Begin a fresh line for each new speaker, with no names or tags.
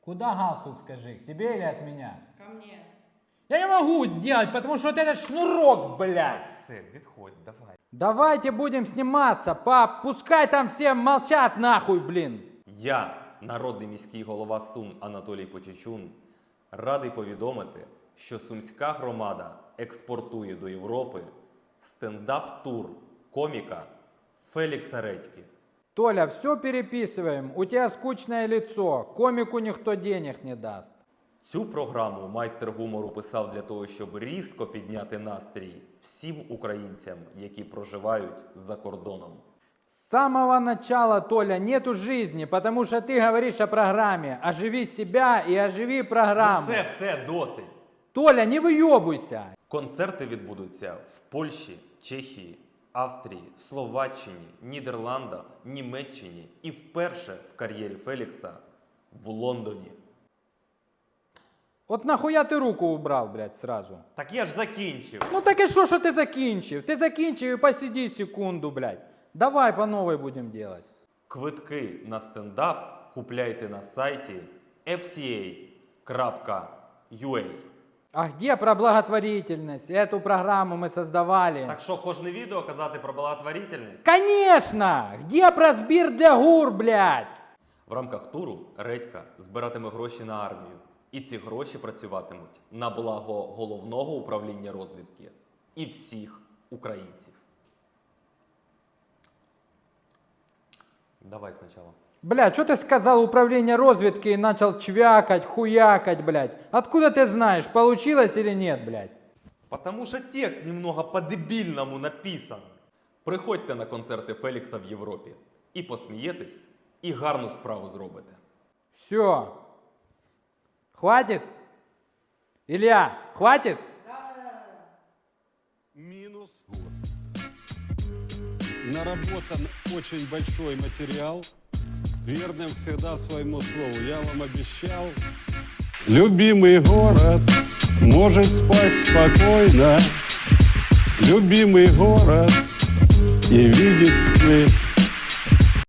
Куда галстук, скажи? К тебе или от меня?
Ко мне.
Я не могу сделать, потому что вот этот шнурок, блядь.
Все, відходь, давай.
Давайте будем сниматься, пап. Пускай там все молчат нахуй, блин.
Я, народний міський голова Сум Анатолій Почечун, радий повідомити, що Сумська громада експортує до Європи стендап-тур коміка Фелікса Редьки.
Толя, все переписываем. У тебя скучное лицо. Комику никто денег не даст.
Цю програму майстер гумору писав для того, щоб різко підняти настрій всім українцям, які проживають за кордоном.
С самого начала, Толя, нету жизни, потому что ты говоришь о программе. Оживи себя и оживи программу.
Все, досить.
Толя, не выебуйся.
Концерти відбудуться в Польщі, Чехії, Австрії, Словаччині, Нідерландах, Німеччині і вперше в кар'єрі Фелікса в Лондоні.
Вот нахуя ты руку убрал, блядь, сразу?
Так я ж закінчив.
Ну так и что ты закинчив? Ты закинчив и посиди секунду, блядь. Давай по новой будем делать.
Квитки на стендап купляйте на сайті fca.ua.
А где про благотворительность? Эту программу мы создавали.
Так що, кожне відео казати про благотворительність?
Конечно! Где про збір для гур, блядь?
В рамках туру Редька збиратиме гроші на армію. І ці гроші працюватимуть на благо Головного управління розвідки і всіх українців. Давай спочатку.
Бля, что ты сказал управление разведки и начал чвякать, хуякать, блядь? Откуда ты знаешь, получилось или нет, блядь?
Потому що текст немного по-дебільному написан. Приходьте на концерти Фелікса в Європі. І посмієтесь, і гарну справу зробите.
Все. Хватит? Илья, хватит?
Минус. Наработан очень большой материал. Верным всегда своему слову. Я вам обещал. Любимый город может спать спокойно. Любимый город и видеть сны.